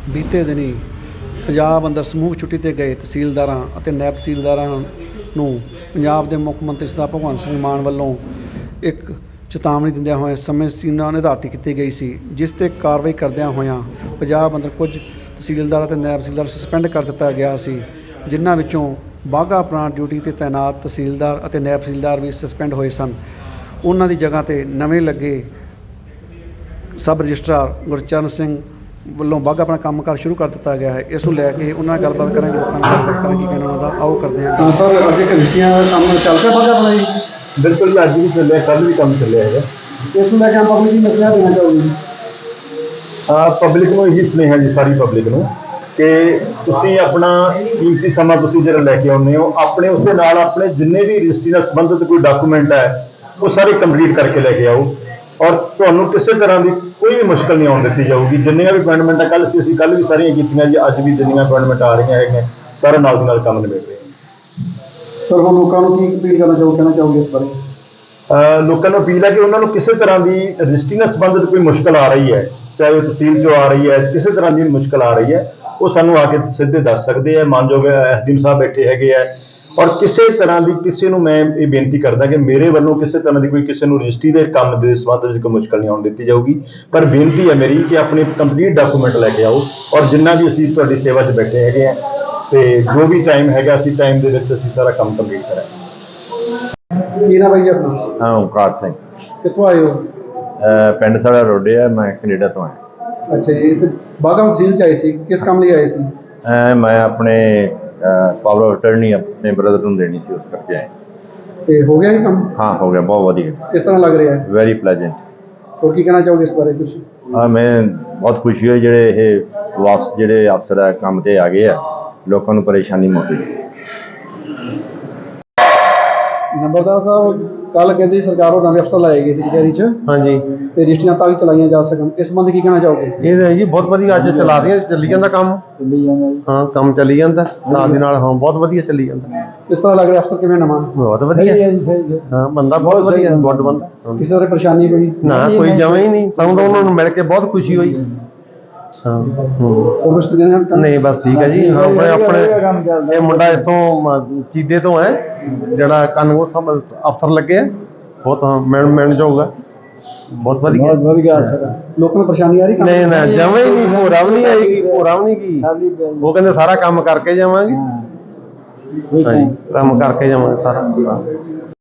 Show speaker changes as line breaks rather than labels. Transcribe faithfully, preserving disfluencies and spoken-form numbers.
ਬੀਤੇ ਦਿਨੀ ਪੰਜਾਬ ਅੰਦਰ ਸਮੂਹ ਛੁੱਟੀ 'ਤੇ ਗਏ ਤਹਿਸੀਲਦਾਰਾਂ ਅਤੇ ਨਾਇਬ ਤਹਿਸੀਲਦਾਰਾਂ ਨੂੰ ਪੰਜਾਬ ਦੇ ਮੁੱਖ ਮੰਤਰੀ ਸਰਦਾਰ ਭਗਵੰਤ ਸਿੰਘ ਮਾਨ ਵੱਲੋਂ ਇੱਕ ਚੇਤਾਵਨੀ ਦਿੰਦਿਆਂ ਹੋਏ ਸਮੇਂ ਸੀਮਾ ਨਿਰਧਾਰਿਤ ਕੀਤੀ ਗਈ ਸੀ, ਜਿਸ 'ਤੇ ਕਾਰਵਾਈ ਕਰਦਿਆਂ ਹੋਇਆਂ ਪੰਜਾਬ ਅੰਦਰ ਕੁਝ ਤਹਿਸੀਲਦਾਰ ਅਤੇ ਨਾਇਬ ਤਹਿਸੀਲਦਾਰ ਸਸਪੈਂਡ ਕਰ ਦਿੱਤਾ ਗਿਆ ਸੀ, ਜਿਨ੍ਹਾਂ ਵਿੱਚੋਂ ਬਾਘਾ ਪੁਰਾਣਾ ਡਿਊਟੀ 'ਤੇ ਤੈਨਾਤ ਤਹਿਸੀਲਦਾਰ ਅਤੇ ਨਾਇਬ ਤਹਿਸੀਲਦਾਰ ਵੀ ਸਸਪੈਂਡ ਹੋਏ ਸਨ। ਉਹਨਾਂ ਦੀ ਜਗ੍ਹਾ 'ਤੇ ਨਵੇਂ ਲੱਗੇ ਸਬ ਰਜਿਸਟਰਾਰ ਗੁਰਚਰਨ ਸਿੰਘ ਵੱਲੋਂ ਬਾਘਾ ਆਪਣਾ ਕੰਮਕਾਰ ਸ਼ੁਰੂ ਕਰ ਦਿੱਤਾ ਗਿਆ ਹੈ। ਇਸ ਨੂੰ ਲੈ ਕੇ ਉਹਨਾਂ ਨਾਲ ਗੱਲਬਾਤ ਕਰਾਂਗੇ, ਲੋਕਾਂ ਨਾਲ ਗੱਲਬਾਤ ਕਰਾਂਗੇ ਕੀ ਕਹਿਣਾ ਉਹਨਾਂ ਦਾ, ਆਓ ਕਰਦੇ ਹਾਂ।
ਹਾਂ ਸਰ, ਅੱਗੇ ਰਜਿਸਟਰੀਆਂ ਦਾ ਕੰਮ ਚੱਲ ਰਿਹਾ ਬਾਘਾ ਆਪਣਾ ਜੀ?
ਬਿਲਕੁਲ ਜੀ, ਅੱਜ ਵੀ ਚੱਲਿਆ, ਕੱਲ੍ਹ ਵੀ ਕੰਮ ਚੱਲਿਆ ਹੈਗਾ।
ਇਸ ਨੂੰ ਲੈ ਕੇ ਪਬਲਿਕ ਨੂੰ ਮੈਸੇਜ ਦੇਣਾ ਚਾਹੋਗੇ ਜੀ?
ਹਾਂ, ਪਬਲਿਕ ਨੂੰ ਇਹੀ ਸੁਨੇਹਾ ਜੀ, ਸਾਰੀ ਪਬਲਿਕ ਨੂੰ, ਕਿ ਤੁਸੀਂ ਆਪਣਾ ਕੀਮਤੀ ਸਮਾਂ ਤੁਸੀਂ ਜਿਹੜਾ ਲੈ ਕੇ ਆਉਂਦੇ ਹੋ, ਆਪਣੇ ਉਸ ਦੇ ਨਾਲ ਆਪਣੇ ਜਿੰਨੇ ਵੀ ਰਜਿਸਟਰੀ ਨਾਲ ਸੰਬੰਧਿਤ ਕੋਈ ਡਾਕੂਮੈਂਟ ਹੈ ਉਹ ਸਾਰੇ ਕੰਪਲੀਟ ਕਰਕੇ ਲੈ ਕੇ ਆਓ, ਔਰ ਤੁਹਾਨੂੰ ਕਿਸੇ ਤਰ੍ਹਾਂ ਦੀ ਕੋਈ ਵੀ ਮੁਸ਼ਕਲ ਨਹੀਂ ਆਉਣ ਦਿੱਤੀ ਜਾਊਗੀ। ਜਿੰਨੀਆਂ ਵੀ ਅਪਾਇੰਟਮੈਂਟਾਂ ਕੱਲ੍ਹ ਸੀ, ਅਸੀਂ ਕੱਲ੍ਹ ਵੀ ਸਾਰੀਆਂ ਕੀਤੀਆਂ ਜੀ, ਅੱਜ ਵੀ ਜਿੰਨੀਆਂ ਅਪਾਇੰਟਮੈਂਟ ਆ ਰਹੀਆਂ ਹੈਗੀਆਂ ਸਾਰਾ ਨਾਲ ਦੀ ਨਾਲ ਕੰਮ ਨਿਬੇੜ ਰਹੇ ਹਾਂ।
ਸਰ, ਹੁਣ ਲੋਕਾਂ ਨੂੰ ਕੀ ਅਪੀਲ ਕਰਨਾ ਚਾਹੋ ਕਹਿਣਾ ਚਾਹੋਗੇ ਇਸ ਬਾਰੇ?
ਲੋਕਾਂ ਨੂੰ ਅਪੀਲ ਹੈ ਕਿ ਉਹਨਾਂ ਨੂੰ ਕਿਸੇ ਤਰ੍ਹਾਂ ਦੀ ਰਜਿਸਟਰੀ ਨਾਲ ਸੰਬੰਧਿਤ ਕੋਈ ਮੁਸ਼ਕਲ ਆ ਰਹੀ ਹੈ, ਚਾਹੇ ਉਹ ਤਹਿਸੀਲ 'ਚੋਂ ਆ ਰਹੀ ਹੈ, ਕਿਸੇ ਤਰ੍ਹਾਂ ਦੀ ਮੁਸ਼ਕਲ ਆ ਰਹੀ ਹੈ, ਉਹ ਸਾਨੂੰ ਆ ਕੇ ਸਿੱਧੇ ਦੱਸ ਸਕਦੇ ਆ। ਮਾਨਯੋਗ ਐਸ ਡੀ ਐਮ ਸਾਹਿਬ ਬੈਠੇ ਹੈਗੇ ਆ, ਔਰ ਕਿਸੇ ਤਰ੍ਹਾਂ ਦੀ ਕਿਸੇ ਨੂੰ ਮੈਂ ਇਹ ਬੇਨਤੀ ਕਰਦਾ ਕਿ ਮੇਰੇ ਵੱਲੋਂ ਕਿਸੇ ਤਰ੍ਹਾਂ ਦੀ ਕੋਈ ਕਿਸੇ ਨੂੰ ਰਜਿਸਟਰੀ ਦੇ ਕੰਮ ਦੇ ਸੰਬੰਧ ਵਿੱਚ ਕੋਈ ਮੁਸ਼ਕਲ ਨਹੀਂ ਆਉਣ ਦਿੱਤੀ ਜਾਊਗੀ। ਪਰ ਬੇਨਤੀ ਹੈ ਮੇਰੀ ਕਿ ਆਪਣੇ ਕੰਪਲੀਟ ਡਾਕੂਮੈਂਟ ਲੈ ਕੇ ਆਓ, ਔਰ ਜਿੰਨਾ ਵੀ ਅਸੀਂ ਤੁਹਾਡੀ ਸੇਵਾ 'ਚ ਬੈਠੇ ਹੈਗੇ ਆ, ਤੇ ਜੋ ਵੀ ਟਾਈਮ ਹੈਗਾ ਅਸੀਂ ਟਾਈਮ ਦੇ ਵਿੱਚ ਅਸੀਂ ਸਾਰਾ ਕੰਮ ਕੰਪਲੀਟ ਕਰਾਂਗੇ।
ਕੀ ਨਾ ਬਾਈ ਜੀ ਆਪਣਾ?
ਹਾਂ, ਓਮਕਾਰ ਸਿੰਘ।
ਕਿੱਥੋਂ ਆਏ ਹੋ?
ਪਿੰਡ ਸਾਡਾ ਰੋਡੇ ਆ, ਮੈਂ ਕੈਨੇਡਾ ਤੋਂ ਆਇਆ।
ਅੱਛਾ ਜੀ, ਤੇ ਬਾਘਾ ਤਹਿਸੀਲ 'ਚ ਆਏ ਸੀ, ਕਿਸ ਕੰਮ ਲਈ ਆਏ ਸੀ?
ਮੈਂ ਆਪਣੇ ਪਾਵਰ ਆਫ ਅਟਰਨੀ ਆਪਣੇ ਬ੍ਰਦਰ ਨੂੰ ਦੇਣੀ ਸੀ, ਉਸ ਕਰਕੇ ਆਏ।
ਤੇ ਹੋ ਗਿਆ ਇਹ ਕੰਮ?
ਹਾਂ, ਹੋ ਗਿਆ, ਬਹੁਤ ਵਧੀਆ।
ਕਿਸ ਤਰ੍ਹਾਂ ਲੱਗ ਰਿਹਾ ਹੈ?
Very pleasant.
ਹੋਰ ਕੀ ਕਹਿਣਾ ਚਾਹੋਗੇ ਇਸ ਬਾਰੇ ਕੁਝ?
ਹਾਂ, ਮੈਂ ਬਹੁਤ ਖੁਸ਼ੀ ਹੋਈ ਜਿਹੜੇ ਇਹ ਵਾਪਸ ਜਿਹੜੇ ਅਫਸਰ ਆ ਕੰਮ 'ਤੇ ਆ ਗਏ ਆ, ਲੋਕਾਂ ਨੂੰ ਪਰੇਸ਼ਾਨੀ ਮੁੱਕ ਗਈ।
ਨੰਬਰਦਾਰ ਸਾਹਿਬ, ਕੱਲ ਕਹਿੰਦੇ ਸਰਕਾਰ ਉਹ ਨਵੇਂ ਅਫਸਰ ਲਾਏ ਗਏ ਸੀ ਕਚਹਿਰੀ 'ਚ,
ਹਾਂਜੀ,
ਤੇ ਰਜਿਸਟਰੀਆਂ ਤਾਂ ਵੀ ਚਲਾਈਆਂ ਜਾ ਸਕਣ, ਇਸ ਸੰਬੰਧ ਕੀ ਕਹਿਣਾ ਚਾਹੋਗੇ?
ਇਹ ਤਾਂ ਜੀ ਬਹੁਤ ਵਧੀਆ, ਅੱਜ ਚਲਾ ਰਹੀਆਂ, ਚੱਲੀ ਜਾਂਦਾ ਕੰਮ।
ਚੱਲੀ ਜਾਂਦਾ ਜੀ।
ਹਾਂ, ਕੰਮ ਚੱਲੀ ਜਾਂਦਾ ਨਾਲ ਦੀ ਨਾਲ। ਹਾਂ, ਬਹੁਤ ਵਧੀਆ ਚੱਲੀ ਜਾਂਦਾ।
ਕਿਸ ਤਰ੍ਹਾਂ ਲੱਗ ਰਿਹਾ ਅਫਸਰ ਕਿਵੇਂ ਨਵਾਂ?
ਬਹੁਤ ਵਧੀਆ। ਹਾਂ, ਬੰਦਾ ਬਹੁਤ ਵਧੀਆ, ਗੁੱਡ ਬੰਦਾ।
ਕਿਸੇ ਤਰ੍ਹਾਂ ਪਰੇਸ਼ਾਨੀ ਕੋਈ
ਨਾ, ਕੋਈ ਜਮਾਂ ਹੀ ਨਹੀਂ। ਸਾਨੂੰ ਤਾਂ ਉਹਨਾਂ ਨੂੰ ਮਿਲ ਕੇ ਬਹੁਤ ਖੁਸ਼ੀ ਹੋਈ। ਹਾਂ, ਨਹੀਂ ਬਸ ਠੀਕ ਹੈ ਜੀ। ਹਾਂ, ਆਪਣੇ ਆਪਣੇ ਇਹ ਮੁੰਡਾ ਇੱਥੋਂ ਚੀਦੇ ਤੋਂ ਹੈ, ਜਿਹੜਾ ਕਾਨੂੰਗੋ ਸਭ ਅਫਸਰ ਲੱਗੇ ਆ, ਬਹੁਤ ਮਿਲਣ ਮਿਲਣ ਜਾਊਗਾ, ਬਹੁਤ ਵਧੀਆ।
ਬਹੁਤ ਵਧੀਆ ਸਰ। ਲੋਕਾਂ ਨੂੰ ਪਰੇਸ਼ਾਨੀ ਆ ਰਹੀ?
ਨਹੀਂ ਨਾ, ਜਮਾਂ ਹੀ ਨਹੀਂ, ਭੋਰਾ ਵੀ ਨਹੀਂ ਆਏਗੀ, ਭੋਰਾ ਵੀ ਨਹੀਂ ਕੀ। ਉਹ ਕਹਿੰਦੇ ਸਾਰਾ ਕੰਮ ਕਰਕੇ ਜਾਵਾਂਗੇ। ਹਾਂਜੀ, ਕੰਮ ਕਰਕੇ ਜਾਵਾਂਗੇ ਸਾਰਾ।